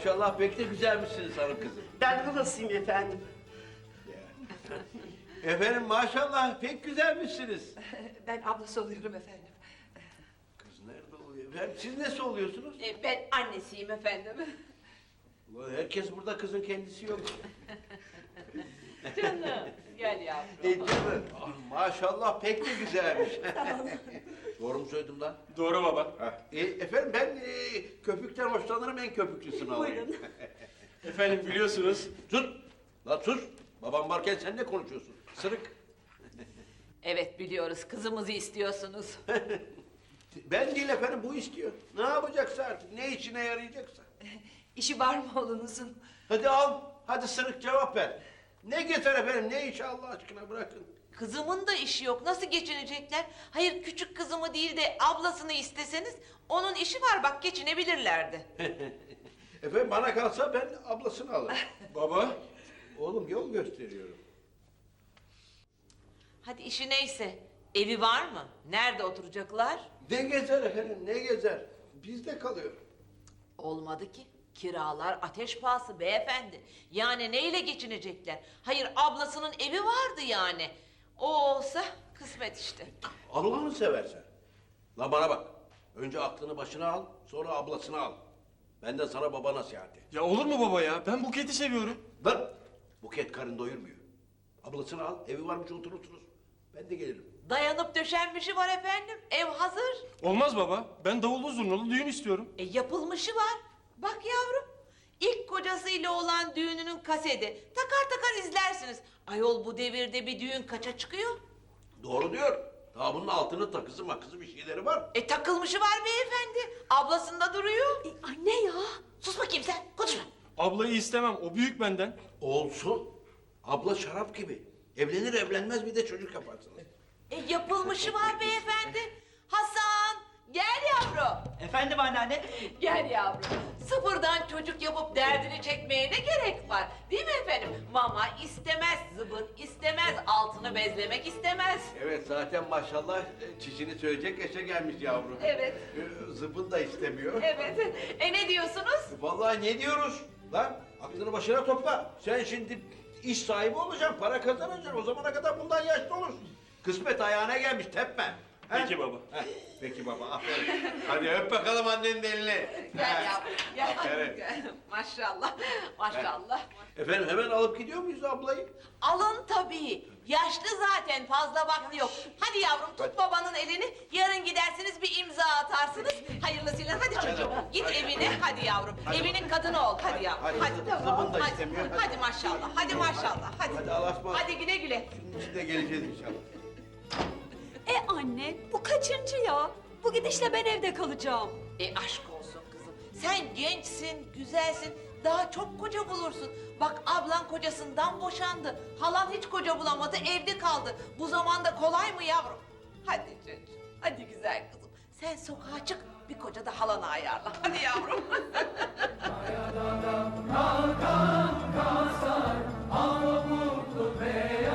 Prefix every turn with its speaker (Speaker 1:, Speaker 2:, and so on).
Speaker 1: Maşallah pek de güzelmişsiniz hanım kızım.
Speaker 2: Ben halasıyım efendim.
Speaker 1: Efendim maşallah pek güzelmişsiniz.
Speaker 3: Ben ablası oluyorum efendim.
Speaker 1: Kız nerede oluyor? Efendim siz nesi oluyorsunuz?
Speaker 3: Ben annesiyim efendim.
Speaker 1: Ulan herkes burada kızın kendisi yok.
Speaker 3: Canım gel yavrum.
Speaker 1: Canım. Maşallah pek de güzelmiş. Doğru mu söyledim lan?
Speaker 4: Doğru baba.
Speaker 1: Efendim ben köpükten hoşlanırım, en köpüklüsünü alayım.
Speaker 2: Buyurun.
Speaker 4: Efendim biliyorsunuz.
Speaker 1: Sus! Lan sus! Babam varken sen ne konuşuyorsun? Sırık.
Speaker 3: Evet biliyoruz kızımızı istiyorsunuz.
Speaker 1: Ben değil efendim, bu istiyor. Ne yapacaksa artık, ne işine yarayacaksa.
Speaker 3: İşi var mı oğlunuzun?
Speaker 1: Hadi al, hadi sırık cevap ver. Ne getir efendim, ne işi Allah aşkına bırakın.
Speaker 5: Kızımın da işi yok. Nasıl geçinecekler? Hayır küçük kızımı değil de ablasını isteseniz onun işi var bak geçinebilirlerdi.
Speaker 1: Efendim bana kalsa ben ablasını alırım.
Speaker 4: Baba.
Speaker 1: Oğlum yol gösteriyorum.
Speaker 5: Hadi işi neyse. Evi var mı? Nerede oturacaklar?
Speaker 1: Ne gezer efendim, ne gezer? Bizde kalıyor.
Speaker 5: Olmadı ki. Kiralar ateş pahası beyefendi. Yani neyle geçinecekler? Hayır ablasının evi vardı yani. O olsa kısmet işte.
Speaker 1: Allah'ını seversen. La bana bak. Önce aklını başına al, sonra ablasını al. Benden sana baba nasihati.
Speaker 4: Ya olur mu baba ya? Ben Buket'i seviyorum.
Speaker 1: Lan! Buket karın doyurmuyor. Ablasını al, evi varmış oturursunuz. Ben de gelirim.
Speaker 5: Dayanıp döşenmişi var efendim. Ev hazır.
Speaker 4: Olmaz baba. Ben davullu zurnalı düğün istiyorum.
Speaker 5: Yapılmışı var. Bak yavrum. İlk kocasıyla olan düğününün kaseti. Takar takar izlersiniz. Ayol bu devirde bir düğün kaça çıkıyor?
Speaker 1: Doğru diyor. Daha bunun altını takısı makısı bir şeyleri var.
Speaker 5: Takılmışı var beyefendi. Ablasında duruyor.
Speaker 3: Anne ya.
Speaker 5: Sus bakayım sen. Konuşma.
Speaker 4: Ablayı istemem. O büyük benden.
Speaker 1: Olsun. Abla şarap gibi. Evlenir evlenmez bir de çocuk yaparsınız.
Speaker 5: Yapılmışı var beyefendi. Hasan gel yavrum.
Speaker 6: Efendim anneanne?
Speaker 5: Gel yavrum. Sıfırdan çocuk yapıp derdini çekmeye ne gerek var? Değil mi efendim? Mama istemez, zıbın istemez, altını bezlemek istemez.
Speaker 1: Evet zaten maşallah çişini söyleyecek yaşa gelmiş yavrum.
Speaker 5: Evet.
Speaker 1: Zıbın da istemiyor.
Speaker 5: Evet. Ne diyorsunuz?
Speaker 1: Vallahi ne diyoruz? Lan aklını başına topla. Sen şimdi iş sahibi olacaksın, para kazanacaksın. O zamana kadar bundan yaşlı olursun. Kısmet ayağına gelmiş, tepme. He?
Speaker 4: Peki baba.
Speaker 1: Heh, peki baba, aferin. Hadi öp bakalım annenin elini.
Speaker 5: Gel yavrum, gel.
Speaker 1: Aferin.
Speaker 5: Gel. Maşallah, maşallah.
Speaker 1: Efendim hemen alıp gidiyor muyuz ablayı?
Speaker 5: Alın tabii. Yaşlı zaten fazla vakti yok. Hadi yavrum tut babanın elini. Yarın gidersiniz bir imza atarsınız. Hayırlısıyla hadi çocuğum. Git evine hadi yavrum. Evinin kadını ol hadi yavrum.
Speaker 1: Hadi,
Speaker 5: Hadi.
Speaker 1: zıbın da
Speaker 5: Hadi.
Speaker 1: istemiyor.
Speaker 5: Hadi maşallah. Hadi maşallah. Hadi.
Speaker 1: Hadi Allah'a ısmarladık.
Speaker 5: Hadi güle güle.
Speaker 1: Şunun için de geleceğiz inşallah.
Speaker 7: Anne, bu kaçıncı ya? Bu gidişle ben evde kalacağım.
Speaker 5: Aşk olsun kızım. Sen gençsin, güzelsin. Daha çok koca bulursun. Bak ablan kocasından boşandı. Halan hiç koca bulamadı, evde kaldı. Bu zamanda kolay mı yavrum? Hadi çocuğum, hadi güzel kızım. Sen sokağa çık, bir koca da halana ayarla. Hadi yavrum.